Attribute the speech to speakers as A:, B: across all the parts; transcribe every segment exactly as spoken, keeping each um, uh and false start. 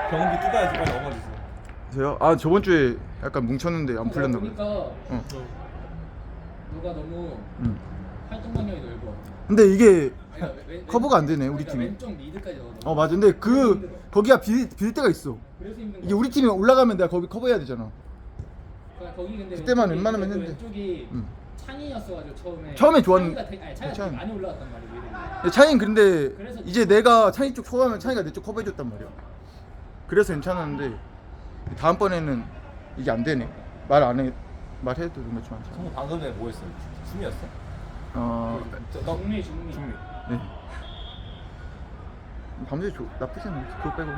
A: 경기 뜯어야지 빨리 넘어지세요.
B: 저요? 아 저번 주에 약간 뭉쳤는데 안 풀렸나 봐요.
C: 보니까
B: 어.
C: 누가 너무
B: 음.
C: 활동량이 넓어.
B: 근데 이게
C: 아니, 왜- 왜-
B: 커버가 안 되네 우리
C: 그러니까
B: 팀이.
C: 왼쪽 미드까지 넣어.
B: 어 맞아. 근데 그 거기가 빌, 빌 때가 있어.
C: 그래서 힘든
B: 이게
C: 거야.
B: 우리 팀이 올라가면 내가 거기 커버해야 되잖아.
C: 그러니까 거기 근데
B: 그때만
C: 왼쪽이-
B: 웬만하면
C: 그
B: 했는데.
C: 왼쪽이
B: 음.
C: 창이었어가지고 처음에.
B: 처음에 좋았는-
C: 창이가 되게, 아니, 창이가
B: 창.
C: 되게 많이 올라갔단 말이야. 미드에.
B: 근데 차이는 근데
C: 그래서
B: 이제 내가 차이 쪽 소화하면 차이가 내 쪽 커버해줬단 말이야. 그래서 괜찮았는데 다음번에는 이게 안 되네. 말 안 해. 말해도 좀 많잖아.
A: 성우 방금 전에 뭐 했어요? 숨이었어?
B: 어.
A: 저- 너
C: 중미 중미.
A: 중미.
B: 네. 밤새 조, 나쁘지 않아. 그거 빼고는.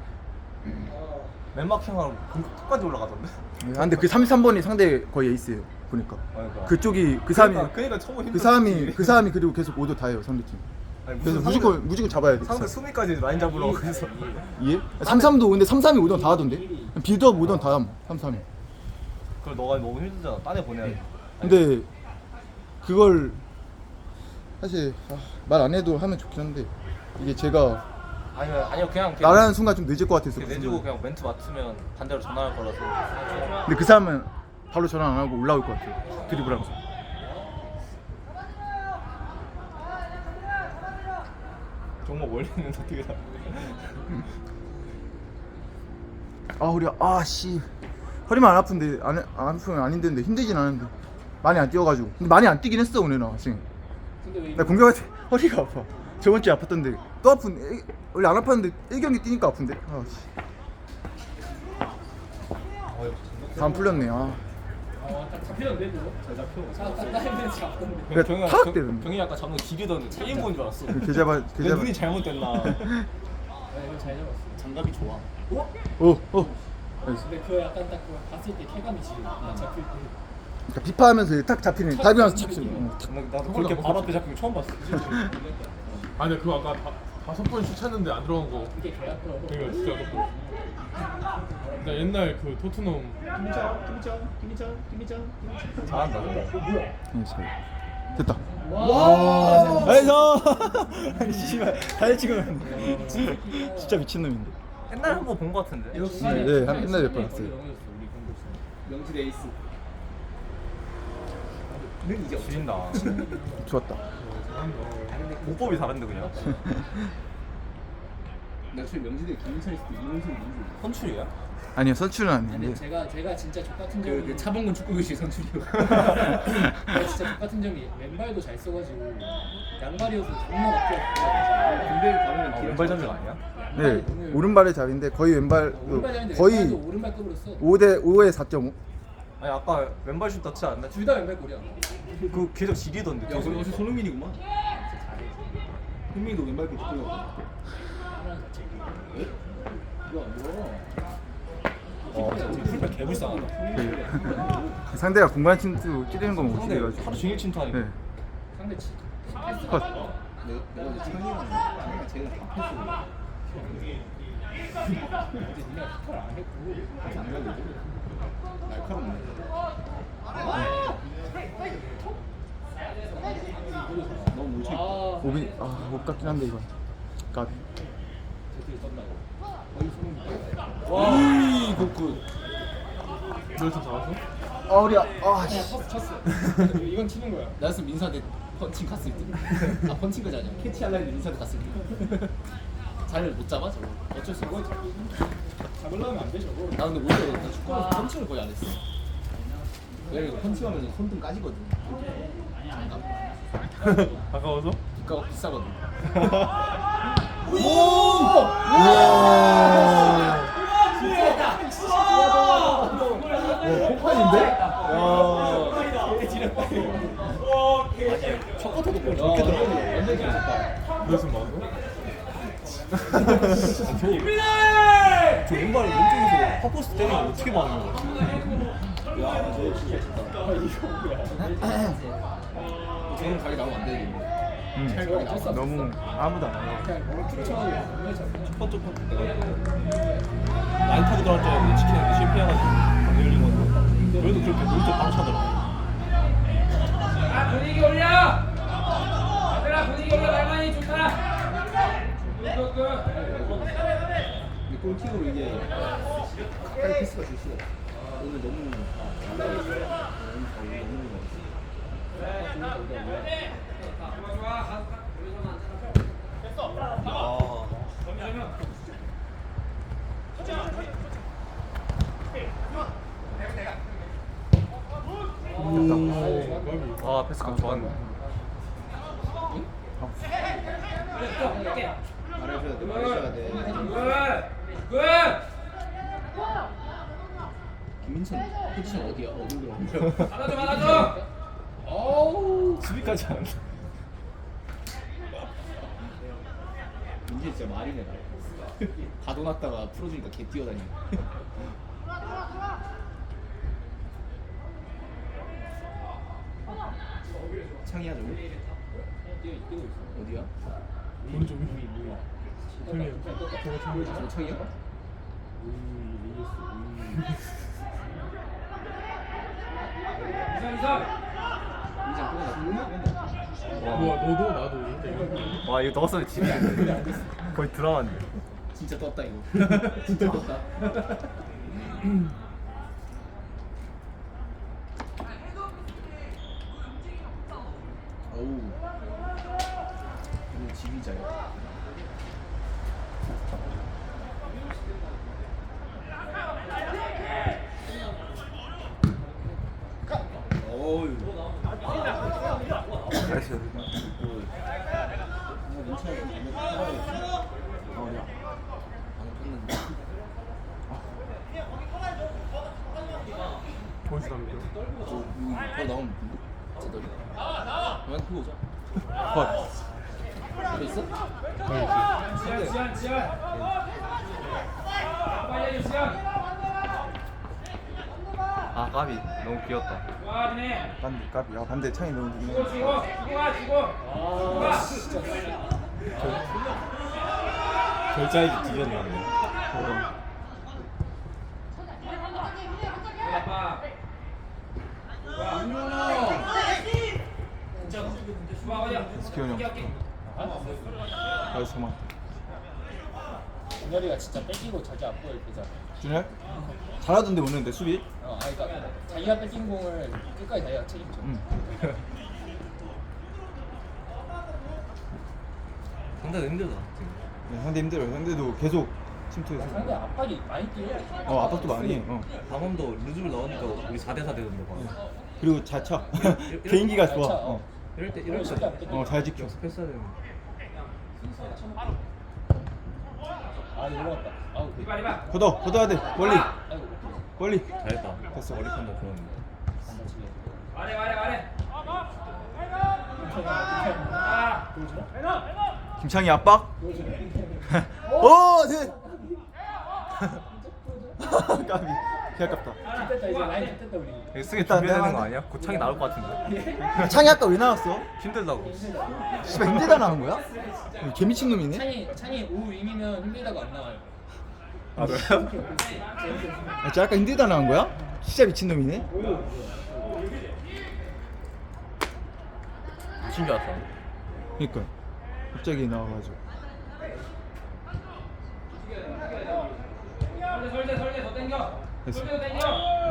A: 맨마킹하고 끝까지 올라가던데?
B: 네, 아, 근데 그 삼십삼 번이 상대 거의 에이스예요. 보니까.
A: 그러니까.
B: 그쪽이 그 사람이
A: 그러니까, 그러니까 처음
B: 그 사람이 그 사람이 그리고 계속 오도 다 해요 상대팀.
A: 아니,
B: 그래서
A: 무슨
B: 무조건
A: 상대-
B: 무조건 잡아야 돼.
A: 상대 수미까지 라인 잡으려고 그래서
B: 이해? 삼십삼도 근데 삼십삼이 오던 다 하던데. 빌드업 오던 다 함. 삼십삼이.
A: 그걸 너가 너무 힘들잖아. 딴애 보내야지.
B: 근데 그걸 사실 아, 말 안 해도 하면 좋긴 한데 이게 제가
A: 아니면 아니요 그냥
B: 나라는 순간 좀 늦을 것 같아서.
A: 내주고 그냥 멘트 맞추면 반대로 전화할 거라서.
B: 근데 그 사람은 바로 전화 안 하고 올라올 것 같아요. 드리블하면서.
A: 정말 멀리 있는데 어떻게 다.
B: 아 우리 아씨 허리만 안 아픈데 안, 안 아프면 아닌데 힘들진 않은데 많이 안 뛰어가지고. 근데 많이 안 뛰긴 했어 오늘 나 지금.
C: 근데 왜
B: 나 공격할 때 허리가 아파. 저번 주에 아팠던데 또 아픈. 일- 원래 안 아팠는데 일 경기 뛰니까 아픈데. 아씨. 다 안 풀렸네. 아.
C: 어, 딱 잡히던데 그거? 잘 잡혀. 아, 딱 따이면 잡던데.
B: 그래,
A: 경이
B: 탁
A: 경-
B: 때리는데.
A: 경이 아까 잡는 길이던 체인 본줄 알았어.
B: 그 계좌발
A: 내
B: 계좌발.
A: 눈이 잘못됐나?
C: 아, 이거 잘 잡았어.
A: 장갑이 좋아.
C: 어?
B: 어 어.
C: 근데 그 약간 딱 그거 봤을 때 쾌감이지. 딱 잡힐 때.
B: 그러니까 비파하면서 탁 잡히는. 다이빙하면서 착 쏘는. 어, 탁.
A: 나도 그렇게 바로 앞에 잡힌 거 처음 봤어.
D: 아니 근데 그거 아까 다, 다섯 번 슛쳤는데 안 들어간 거
C: 이게 개약도.
D: 그러니까 진짜 그거 나 옛날 그 토트넘
C: 김희정, 김희정, 김희정, 김희정, 김희정.
A: 잘한다.
C: 뭐야?
B: 네, 잘. 됐다.
C: 와.
B: 나이스. 씨발 다리 찍으면 진짜 미친놈인데.
A: 옛날에 한 번 본 거 같은데.
C: 역시.
B: 네, 네, 한- 옛날에 몇 번 봤어요.
C: 명지 에이스.
A: 는 이제 없어진다.
B: 좋았다.
A: 공법이 다른데 그냥.
C: 나 지금 명지대 김민철 있을 때 이문수 이문수.
A: 선출이야?
B: 아니요 선출은
C: 아니
B: 아닌데.
C: 제가 제가 진짜 족 같은 점이 그 차범근 축구교실 선출이요. 제가 진짜 족 같은 점이 왼발도 잘 써가지고 양발이어서 존나 막혀. 군대 가면
A: 아, 왼발 잡는 거 아니야?
B: 네 오른발의 잡인데 거의 왼발
C: 오른발 잡인데
B: 거의
C: 왼발도 오른발급으로 써.
B: 오 대 오에 사 점 오.
A: 아니 아까 왼발 슛 넣지 않나?
C: 둘 다 왼발골이야.
A: 그 계속 지리던데. 계속.
C: 역시 손흥민이구만. 흥민이도 왼발골 축구요. 하나는 같이. 이거 뭐야?
A: 어, 풀백 개불쌍하다.
B: 그 상대가 공간 침투 찌르는 거 못
A: 상대
B: 찌르가지고.
A: 하루 종일 침투하니까.
B: 네.
C: 상대 치. 패스.
B: 컷.
C: 내가 내가 이제 창이랑 쟤는 다 패스. 근데 니가 피카를 안 했고 아직 안 가려고 날카롭네. 너무 뭉쳐.
B: 오비 아못 같긴 한데 이건. 까비.
C: 제트를 떴다고. 거의 소름.
A: 와, 굿굿.
D: 널좀 잡았어?
B: 아 우리 아
C: 그냥
B: 씨.
C: 쳤어 쳤어. 이건 치는 거야. 나였으면 민서한테 펀칭 갔을 때. 아 펀칭까지 아니야. 캐치하려 했는데 민서한테 갔을 때. 자리를 못 잡아 저거. 어쩔 수 없어. 잡으려면 안 돼 저거. 나 근데 오히려 나 축구는 펀칭을 거의 안 했어. 왜 이거 펀칭하면 손등 까지거든. 장갑.
D: 아까워서?
C: 비가가 비싸거든. 첫 커터도 골 저렇게 들어가고 완전 잘했다.
D: 무슨 마음?
A: 저 왼발 왼쪽에서 팝포스 때리는 거 어떻게 막는 거야?
C: 야, 저 진짜 좋다. 아, 이거 뭐야? 저는 가게 나오면 안 되겠네.
B: 음.
C: 잘 쳤어.
B: 너무 아무도 안 해.
C: 그냥 뭐 툭쳐가지고 정말 잘.
A: 첫 번째 팝 라인 타고 들어갈 줄 알았는데 치킨한테 실패해가지고 안 열린 건데 그래도 그렇게 물도 바로 차더라.
E: 아, 분위기 올려! 아들아 분위기 올려. 날만이 좋다. 굿굿굿.
C: 근데 골 골킥으로 이게 가까이 패스가 줄 수가 없어. 오늘 너무 아, 너무 잘 너무
A: 아 패스가 좋았네.
C: 말해줘야 돼. 말해줘야 돼. 김민찬 포지션 어디야? 어디 들어?
E: 받아줘 받아줘.
C: 어우
A: 수비까지 안.
C: 민재 진짜 말이네 말. 가둬놨다가 풀어주니까 개 뛰어다니네. 창이야 저기? 어디야?
D: 오른쪽 위. 형님 저거 참.
C: 저 창이야?
E: 이선 이선.
C: 민재 끊어놨다.
D: 우와 너도 나도.
A: 와 이거 넣었으면 집이 거의 드라마인데.
C: 진짜 떴다 이거. 진짜 떴다. 어우. 오늘 지휘자야. 어우.
A: 나이스.
D: 보이스 담겨.
C: 바로 나오면 누구? 제더리. 그만 그거 오자.
A: 컷.
C: 그거 있어?
E: 지연 지연 지연. 빨리 해줘 지연.
A: 아 까비 너무 귀엽다.
E: 와 니네.
B: 반대 까비. 아 반대 창이 너무
E: 주고
B: 좋네.
E: 주고 주고 가 주고. 가.
A: 결자이지 뒤졌네.
E: 아빠. 좋아 어디야?
B: 기현이 형.
E: 할게.
B: 나이스 그만.
C: 준열이가 진짜 뺏기고 자기 안 보일 때잖아.
B: 준열? 잘하던데 오늘 내 수비?
C: 어, 아니 그러니까 자기가 뺏긴 공을 끝까지 자기가 책임져.
B: 응.
A: 상당히 힘들다.
B: 네, 상대 힘들어요. 상대도 계속 침투해서.
C: 상대 압박이 많이 뛰어.
B: 어 압박도 많이 해. 어.
A: 방금도 루즈를 넣으니까 우리 사 대 사 되던데 봐.
B: 그리고 잘 차. 개인기가
C: 잘
B: 좋아.
C: 차,
B: 어.
C: 어.
A: 이럴 때
C: 이럴
A: 이럴
C: 때
A: 때
C: 안 뺏겨.
B: 어, 잘 지켜.
A: 연습했어야 되는데.
C: 아 올라갔다. 아우 그.
E: 이봐 이봐.
B: 걷어, 걷어야 돼. 멀리,
C: 아이고.
B: 멀리.
A: 잘했다.
B: 됐어.
A: 머리 판단 좋았는데.
C: 안 다치게.
E: 아래 아래 아래. 아.
B: 김창희 압박. 오, 네. 까비. 개 아깝다.
C: 됐다 이제 라인 됐다 우리.
A: 이거 쓰게
B: 일단
A: 준비해야 되는
B: 내가
A: 거 아니야? 고창이 나올 것 같은데.
B: 창희 아까 왜 나왔어?
A: 힘들다고.
B: 씨발 힘들다 나온 거야? 개 미친 놈이네.
C: 창이 창이 오 윙이면 힘들다고 안 나와요.
A: 아 그래요?
B: 아, 진짜 아까 힘들다 나온 거야? 진짜 미친 놈이네.
A: 미친 줄 알았어.
B: 그러니까 갑자기 나와가지고.
E: 설대 설대 설대 더 당겨.
B: 됐어.
E: 설대 더 당겨.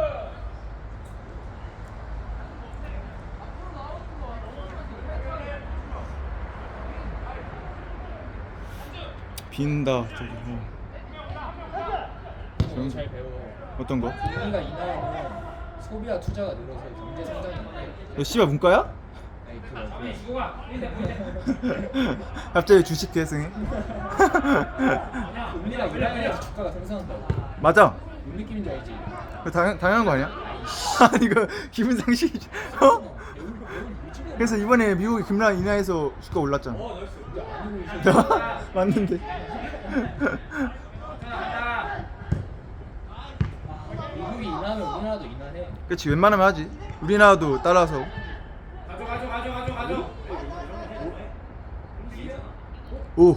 B: 빈다 저기. 어.
C: 잘 배워.
B: 어떤 거?
C: 우리가 이 나이는 소비와 투자가 늘어서 경제 성장이 있는데.
B: 너 씨발 문과야?
C: 아니 그거
E: 아니 주고 가. 보인대 보인대.
B: 갑자기 주식 계승해?
C: 우리가 이 나이에서 주가가 상승한다고.
B: 맞아.
C: 뭔 느낌인 줄 알지?
B: 그 당연 당연한 거 아니야? 아니 이거 기분 상실. 어? 그래서 이번에 미국이 금랑 인하해서 주가 올랐잖아. 맞는데.
E: 간다.
C: 미국이 인하하면 우리나라도 인하해.
B: 그렇지 웬만하면 하지. 우리나라도 따라서.
E: 가져 가져 가져 가져 가져.
B: 오.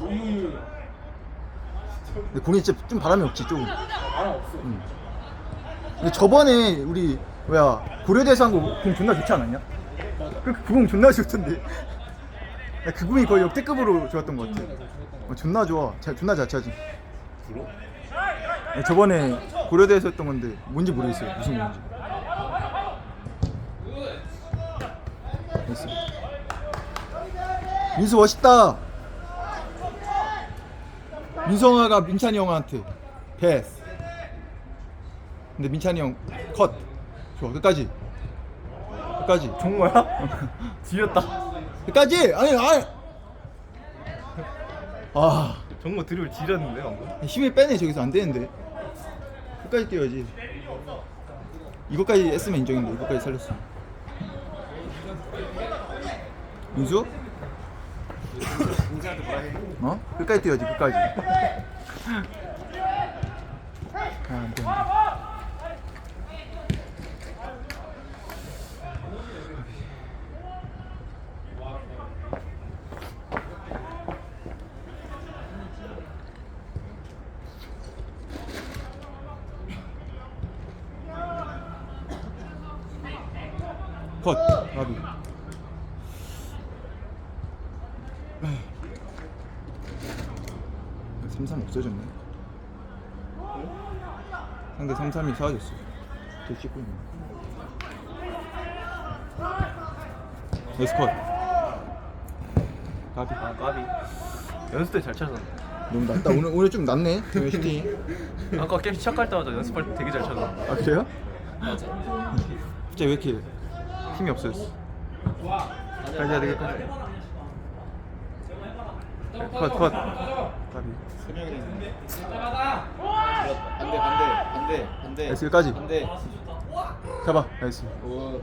B: 근데 공이 진짜 좀 바람이 없지 조금.
C: 바람 없어.
B: 응. 근데 저번에 우리 뭐야 고려대에서 한 거 공 존나 좋지 않았냐? 그, 그 공 존나 좋던데. 야, 그 공이 거의 역대급으로 좋았던 것 같아. 어, 존나 좋아. 잘 존나 잘 차지.
A: 불어?
B: 저번에 고려대에서 했던 건데 뭔지 모르겠어요. 무슨 건지. 됐어. 민수 멋있다. 민성아가 민찬이 형한테 패스. 근데 민찬이 형 컷. 좋아 끝까지. 끝까지.
A: 정모야? 지렸다.
B: 끝까지. 아니 아니. 아
A: 정모 드립을 지렸는데 방금.
B: 힘을 빼네. 저기서 안 되는데. 끝까지 뛰어야지. 이것까지 했으면 인정인데 이것까지 살렸어. 민수? 어? 끝까지 뛰어야지 끝까지. 아, 안 돼, 안 돼. 컷. 나비. 삼삼 없어졌네. 상대 삼삼이 사라졌어. 저 찍고 있네. 나이스 컷. 가비.
A: 아 까비. 연습 때 잘 찾았는데.
B: 너무 낫다. 오늘 오늘 좀 낫네. 정현 슈팅.
A: 아까 게임 시작할 때마다 연습할 때 되게 잘 찾았는데.
B: 아 그래요?
C: 맞아.
B: 갑자기 왜 이렇게 힘이 없어졌어? 가지 해야 되겠다. 컷 컷. 가비.
E: 나가다.
C: 반대 반대 반대 반대.
B: 나이스 여기까지.
C: 반대.
B: 잡아. 나이스.
C: 오.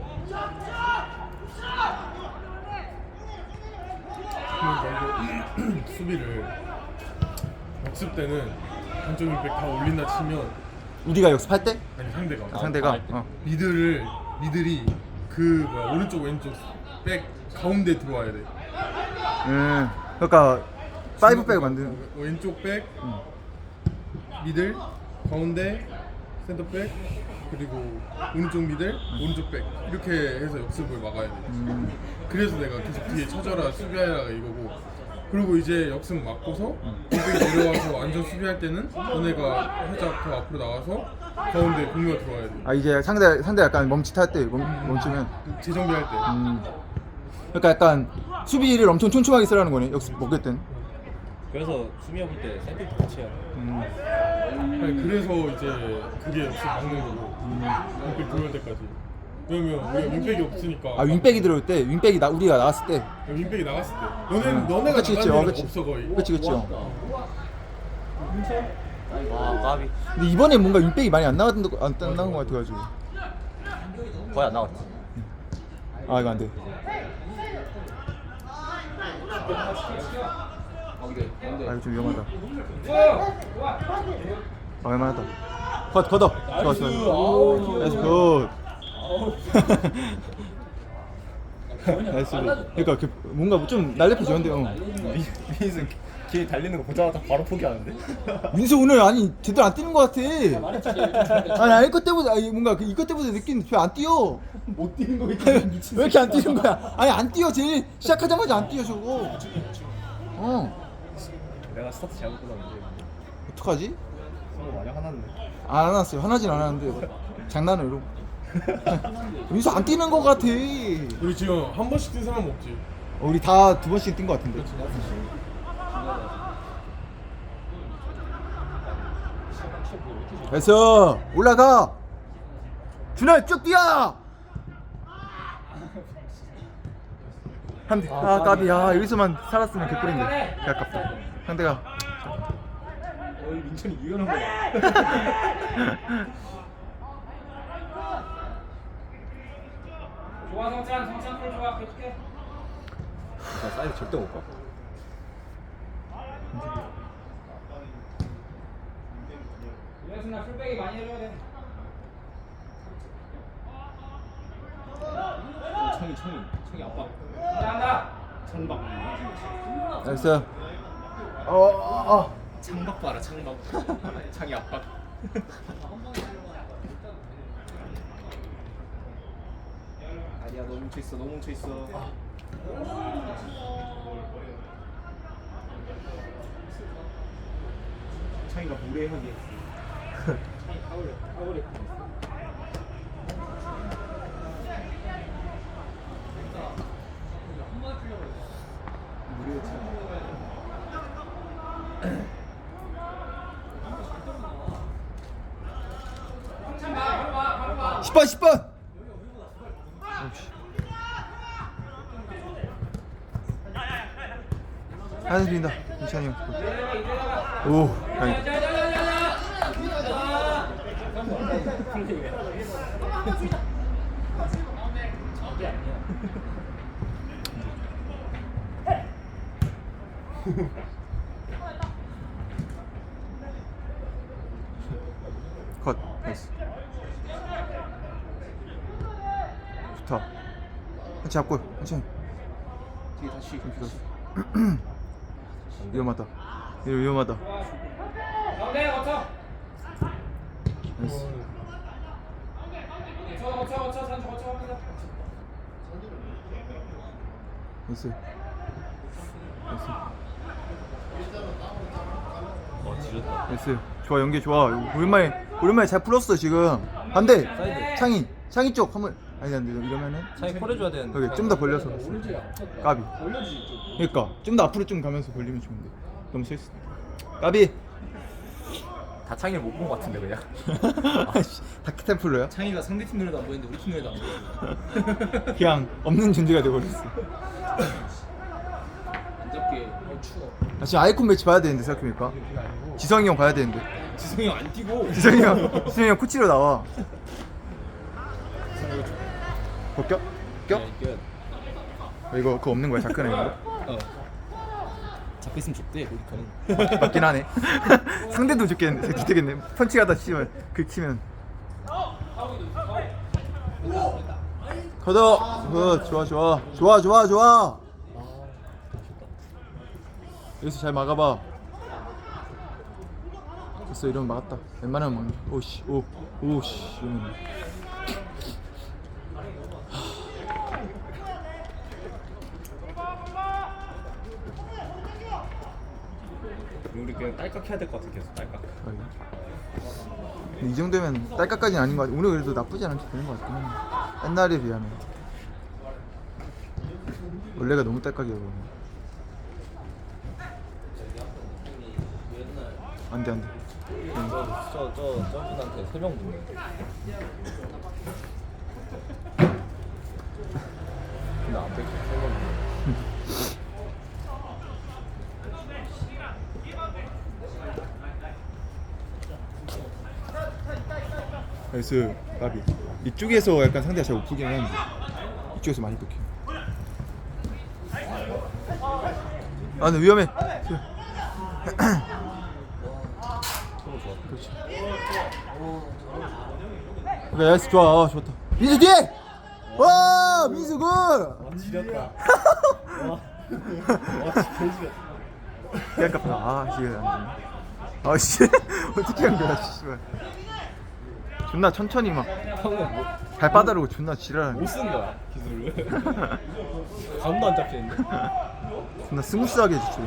D: 수비를 역습 때는 한쪽 윙백 다 올린다 치면
B: 우리가 역습할 때?
D: 아니 상대가
B: 아, 상대가. 어.
D: 미들을 미들이 그 뭐야 오른쪽 왼쪽 백 가운데 들어와야 돼.
B: 음. 그러니까 파이브 백을 만드는.
D: 어, 왼쪽 백
B: 음.
D: 미들 가운데 센터백 그리고 오른쪽 미들 오른쪽 백 이렇게 해서 역습을 막아야 돼.
B: 음.
D: 그래서 내가 계속 뒤에 쳐져라 수비하라가 이거고 그리고 이제 역습 막고서 공백이 내려와서 완전 수비할 때는 너네가 살짝 더 앞으로 나와서 가운데 공유가 들어와야 돼.
B: 아 이제 상대 상대 약간 멈칫할 때 멈, 멈추면.
D: 재정비할 때.
B: 음. 그러니까 약간 수비를 엄청 촘촘하게 쓰라는 거네. 역습 먹을 땐.
A: 그래서 수미 해볼 때 샌드위치 같이 해야 돼.
B: 음.
D: 아니 그래서 이제 그게 역습 막는 거고 윙백 들어올 때까지. 왜냐면 우리가 윙백이 없으니까.
B: 아 윙백이 들어올 때, 윙백이 나 우리가 나왔을 때.
D: 윙백이 나갔을 때. 너네는 너네가
B: 그치 그치.
D: 나간
B: 어
D: 일은
B: 그치.
D: 없어 거의.
B: 그치 그치. 어.
A: 아 까비.
B: 근데 이번에 뭔가 윙백이 많이 안 나왔던 거- 안 나온 거 같아가지고.
A: 거의 안 나왔지.
B: 아 이거 안 돼.
C: 반대 반대.
B: 아 이거 좀 위험하다.
E: 좋아.
B: 아 웬만하다. 컷 걷어. 좋아 좋아. 나이스 굿. 나이스. 그러니까 그 뭔가 좀 날렵해졌는데. 어.
A: 민수 길 달리는 거 보자마자 바로 포기하는데.
B: 민수 오늘 아니 제대로 안 뛰는 거 같아. 아니 아니 이것 때보다 아니 뭔가 그 이것 때보다 느낌 왜안 뛰어?
C: 못 뛰는 거 왜
B: 왜 이렇게 안 뛰는 거야? 아니 안 뛰어 제일 시작하자마자 안 뛰어 저거. 어.
A: 내가 스타트 잘못 끊었는데.
B: 어떡하지?
A: 서로 많이 화났네.
B: 안 화났어요. 화나진 않았는데 장난으로. 민수 안 뛰는 거 같아.
D: 우리 지금 한 번씩 뛴 사람 없지.
B: 어, 우리 다 두 번씩 뛴 거 같은데. 됐어. 올라가. 준아 쭉 뛰어. 한대. 아 까비. 아 여기서만 살았으면 개꿀인데. 개 아깝다. 상대가.
C: 어이 민철이 이거는 거야.
E: 좋아 성찬 성찬 콜 좋아 계속해.
A: 나 사이드 절대 못 가.
E: 이래서 나 풀백이 많이 해줘야 돼.
C: 창이 창이 창이 아빠.
E: 한다.
C: 창박.
B: 됐어. 어. 어.
C: 창박 봐라 창박. 창이 아빠. 아니야 너무 뭉쳐 있어 너무 뭉쳐 있어. 창이가 무례하게.
B: 십 번 십 번. 하나 빈다. 이찬이 형. 오, 다행이다. 컷. 나이스. 좋다. 한치 잡골. 한치.
C: 뒤에 다시
B: 위험하다. 이거 위험하다.
E: 가운데 거쳐.
B: 나이스.
E: 거쳐 거쳐 거쳐 산 거쳐 합니다.
B: 나이스. 나이스.
A: 어 지렸다.
B: 나이스. 좋아, 연계 좋아. 오랜만에 오랜만에 잘 풀었어 지금. 반대.
A: 사이드.
B: 창이 창이 쪽 한번. 아니 안 돼. 이러면은
A: 차이 콜해줘야 되는데.
B: 여기 좀 더 벌려서. 까비.
C: 올려주지 좀.
B: 그러니까 좀 더 앞으로 좀 가면서 벌리면 좋은데. 너무 실수. 까비.
A: 다 창이를 못 본 것 같은데 그냥.
B: 아씨, 다크템플러야?
C: 창이가 상대팀 노래도 안 보이는데 우리 팀 노래도 안 보여.
B: 그냥 없는 존재가 돼버렸어.
C: 안 잡게. 어 추워.
B: 아, 지금 아이콘 매치 봐야 되는데 생각해보니까. 지성이 형 봐야 되는데.
C: 지성이 형 안 뛰고.
B: 지성이 형, 지성이 형 코치로 나와. 벗겨? 벗겨?
C: 네,
B: 어, 이거 그거 없는 거야 자크는 이거?
C: 어. 잡혀 있으면 좋대 우리 거는.
B: 맞긴 하네. 상대도 좋겠는데 좋겠네. 펀치 가다 치면 그 치면. 걷어. 굿. 좋아 좋아 좋아 좋아 좋아. 여기서 잘 막아봐. 됐어. 이러면 막았다. 웬만하면 막는. 오씨 오 오씨 이러면.
A: 우리 그냥 딸깍 해야 될 것 같아 계속 딸깍.
B: 근데 이 정도면 딸깍까지는 아닌 것 같아. 오늘 그래도 나쁘지 않게 되는 것 같긴 해. 옛날에 비하면. 원래가 너무 딸깍이어서. 안돼 안돼.
A: 저저 저 저분한테 세 명 붙네. 근데 안 뺏겨 세명 붙네.
B: 나이스. 까비. 이쪽에서 약간 상대가 잘 못 풀긴 하는데 이쪽에서 많이 뺏겨. 아 근데 위험해. 그렇지. 그래 나이스. 좋아. 아, 좋다. 민수 뒤에. 와 민수 굿.
A: 아 지렸다. 와. 와 진짜 지렸다.
B: 약간 아 씨. 안 되네. 아씨 어떻게 한 거야 씨발. 존나 천천히 막
A: 방금 뭐,
B: 발바닥으로 존나 지랄하네.
A: 못 쓴 거야 기술을. 감도 안 잡히는데.
B: 존나 스무스하게 해주죠.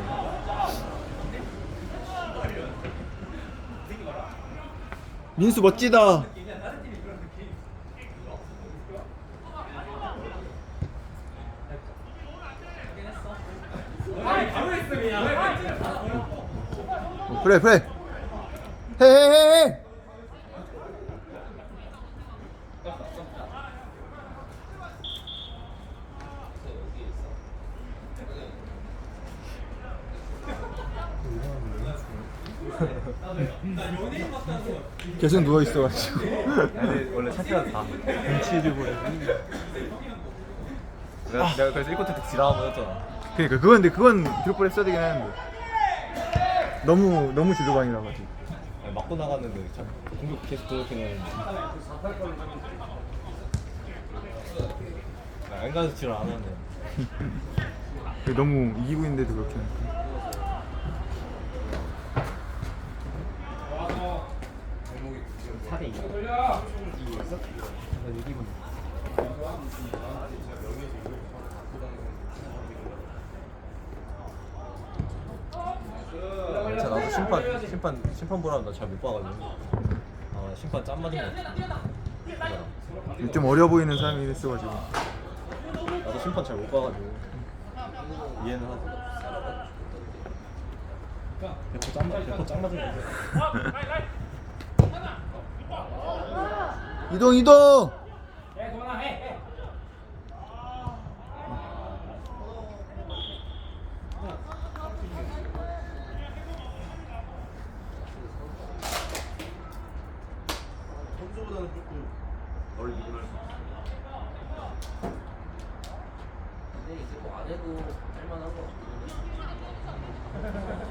B: 민수 멋지다. 어, 그래 그래. 헤헤헤. 계속 누워 있어가지고.
A: 아니 원래 차트가 다.
B: 눈치를 보래.
A: 내가, 내가 그래서 일 쿼터 때 지랄하고 했잖아.
B: 그러니까 그건 근데 그건 드롭볼 했어야 되긴 하는데 너무 너무 지도방이라 가지고.
A: 아니, 맞고 나갔는데 참 공격 계속 저렇게 나는데. 안 가서 지랄 안 하네.
B: 너무 이기고 있는데도 그렇게 하니까.
C: 사 대 이.
E: 돌려.
A: 괜찮아. 나도 심판 심판 심판 보라면 나 잘 못 봐가지고. 아 심판 짠 맞은 거 같아.
B: 좀 어려 보이는 사람이 있어가지고.
A: 나도 심판 잘 못 봐가지고 이해는 하지. 백호 짠 맞, 백호 짠 맞은 거 같아.
B: 이동 이동.
E: 해 도나 해 해.
A: 선수보다는 조금 덜 미분할 수 있어.
C: 근데 이제 뭐 안 해도 할만한 거 같긴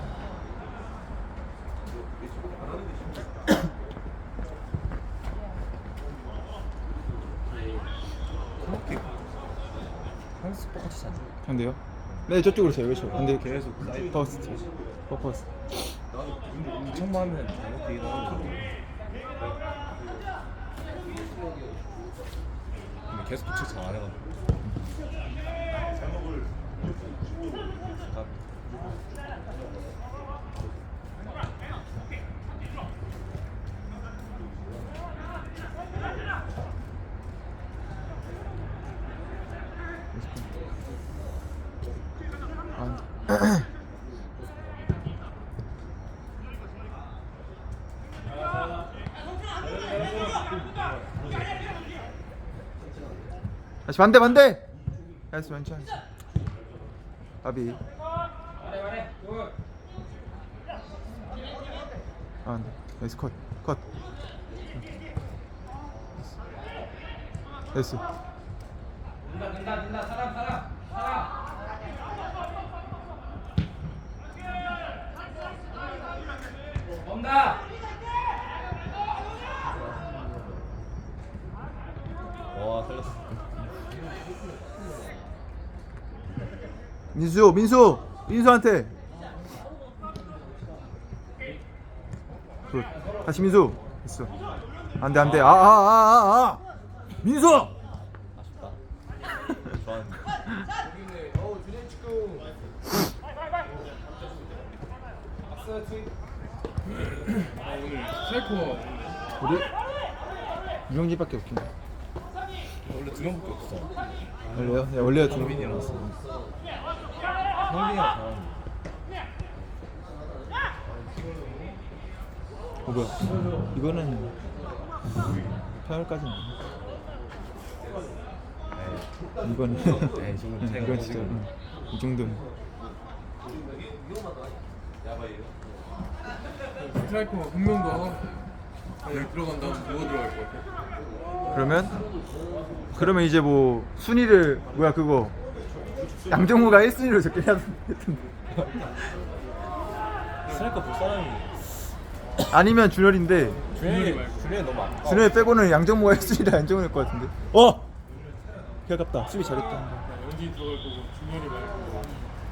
A: 한스 똑같이 잖아.
B: 반대요? 네 저쪽으로 세요. 그렇죠. 반대.
A: 계속 사이드
B: 퍼스트. 퍼스트.
A: 이천만 하면 잘못되긴 하는데 근데 계속 도착 잘 안 해가지고
B: 아, 다시 반대 반대. 나이스 왼쪽. 아비.
E: 말해 말해. 굿.
B: 아 안돼. 나이스 컷. 컷. 나이스.
E: 된다 된다 된다. 사람 사람 사람. 온다.
A: 와 살렸어.
B: 민수 민수 민수한테. 굿. 다시 민수. 됐어. 안돼 안돼. 아 아 아 아 아. 민수.
A: 아쉽다. 좋아하는데.
D: 스트라이커
B: 우리 유영진밖에 없긴 해.
A: 원래 두 명밖에 없어.
B: 원래요? 네, 원래요 두
A: 성빈이랑
B: 명.
A: 성빈이랑 잘하는데.
B: 어 뭐야? 이거는 파열까지는. 이거는
A: 네, 지금 제가
B: 이건 진짜 응. 이 정도는.
D: 스트라이커 한 명 더 여기 들어간 다음 누가 들어갈 것 같아?
B: 그러면 그러면 이제 뭐 순위를 뭐야 그거 양정우가 일 순위로 적긴 했던데.
A: 스트라이커 볼 사람이
B: 아니면 준열인데
A: 준현이 준현이 너무 안.
B: 준열 빼고는 양정우가 일 순위라 양정우일 것 같은데. 어! 개 아깝다. 수비 잘했다.
D: 연진이 들어갈 거고 중현이 말고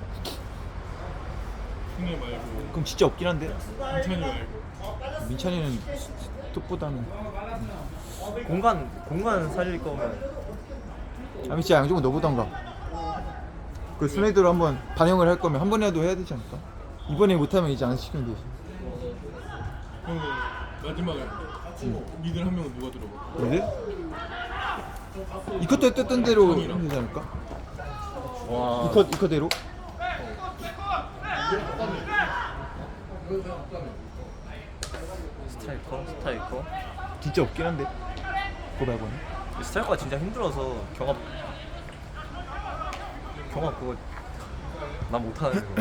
D: 승혜 말고
B: 그럼 진짜 없긴 한데
D: 민찬이 말고
B: 민찬이는 톱보다는
A: 공간 공간 살릴 거면
B: 아니 진짜 양정우 너보단가. 그 순위대로 한번 반영을 할 거면 한 번이라도 해야 되지 않을까? 이번에 못하면 이제 안 시키면 되지.
D: 형 마지막에 미들 한 명은 누가 들어가?
B: 근데 이컷도 했던 대로 하면 되지 않을까?
A: 와
B: 이컷 이컷대로.
A: 스트라이커 스트라이커
B: 진짜 없긴 한데 그거 말고는.
A: 스트라이커가 진짜 힘들어서 경합 경합 그거 나 못하는 거.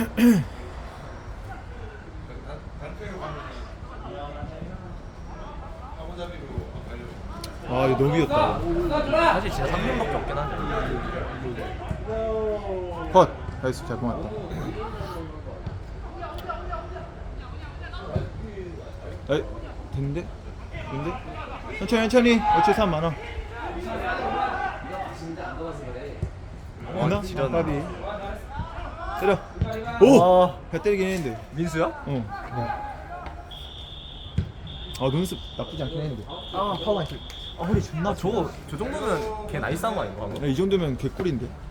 B: 아 이거 너무 귀엽다.
A: 사실 진짜 삼 명밖에 없긴 한데.
B: 컷. 나이스 잘 고맙다. 에이 됐는데? 됐는데? 천천히 천천히. 어차피 사람 많아. 됐나?
A: 지렸네.
B: 까비. 때려. 오!
A: 와.
B: 배 때리긴 했는데.
A: 민수야?
B: 어. 아 눈썹 나쁘지 않긴 했는데. 아 파워 안 칠. 아 허리 존나.
A: 아 저거 저 정도면 걔 나이스한 거 아닌가?
B: 이 정도면 개꿀인데.